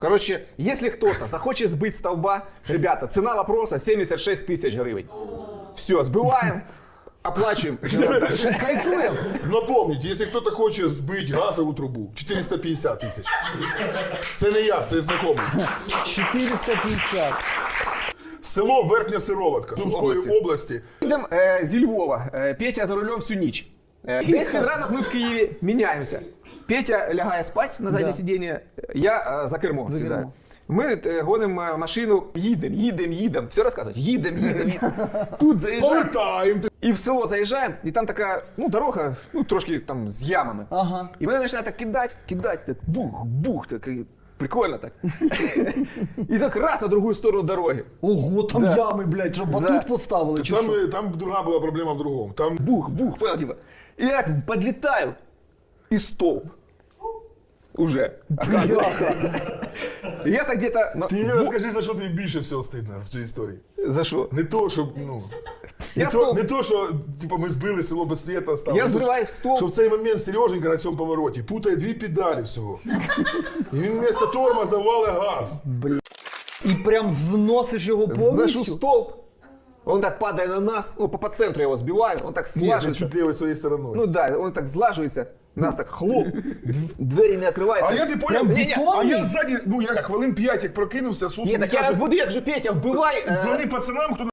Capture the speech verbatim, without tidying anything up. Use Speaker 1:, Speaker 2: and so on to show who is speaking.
Speaker 1: Короче, если кто-то захочет сбыть столба, ребята, цена вопроса семьдесят шесть тысяч гривен. Все, сбываем, оплачиваем.
Speaker 2: Кайфуем. Но помните, якщо хтось хоче збити газову трубу, чотириста п'ятдесят тисяч. Це не я, це знайомий.
Speaker 3: чотириста п'ятдесят.
Speaker 2: Село Верхня Сироватка Сумської
Speaker 1: області.
Speaker 2: області.
Speaker 1: Идем э, зі Львова. Э, Петя за рулем всю ніч. Э, Десь під ранок ми в Києві міняємося. Петя лягає спать на заднє
Speaker 3: Да.
Speaker 1: сидіння, я э, за кермо
Speaker 3: За
Speaker 1: сідаю.
Speaker 3: кермо.
Speaker 1: Ми э, гонимо э, машину, їдемо, їдемо, їдемо. Все розказують. Їдемо, їдемо, їдемо. Тут заїжджаємо.
Speaker 2: Повертаємо.
Speaker 1: І в село заїжджаємо, і там така, ну, дорога, ну, трошки там з ямами.
Speaker 3: Ага.
Speaker 1: І мене починає так кидати, кидати, так бух, бух, так, і прикольно так. І так раз на другу сторону дороги.
Speaker 3: Ого, там
Speaker 1: Да.
Speaker 3: ями, блядь, що батут
Speaker 1: Да.
Speaker 3: поставили, чи
Speaker 2: Там,
Speaker 3: що?
Speaker 2: е, там друга була проблема в другому. Там
Speaker 1: Бух, бух, понял, типа. И я так подлетаю, и столб. Уже. И я так где-то... на-
Speaker 2: Ти
Speaker 1: во-
Speaker 2: розкажи, за що тобі більше всього стидно в цій історії.
Speaker 1: За что?
Speaker 2: Не то, що, ну... Не,
Speaker 1: Я
Speaker 2: то,
Speaker 1: стол-
Speaker 2: не то, що типу, ми збили село без світа, стало.
Speaker 1: Я
Speaker 2: Не то,
Speaker 1: взриваю
Speaker 2: що-
Speaker 1: стовп.
Speaker 2: Що в цей момент Сереженька на цьому повороті путає дві педалі всього. І він вместо тормоза валить газ.
Speaker 3: І прям зносиш його
Speaker 1: Зашу
Speaker 3: повністю?
Speaker 1: столб. Он так падает на нас, ну, по, по центру я его сбиваю, он так
Speaker 2: Ні, ти
Speaker 1: слаживается.
Speaker 2: чуть лівою своєю стороною.
Speaker 1: Ну да, он так слаживается, нас так хлоп, дв- двери не открываются.
Speaker 2: А я ти поняв,
Speaker 3: Прям
Speaker 2: Ні, ні,
Speaker 3: бетонний?
Speaker 2: а я ззаді, ну я хвилин п'ять як прокинувся, Сус
Speaker 1: Нет,
Speaker 2: мені
Speaker 1: так я
Speaker 2: каже,
Speaker 1: разбуду, як же Петя, вбивай. э,
Speaker 2: дзвони пацанам, хто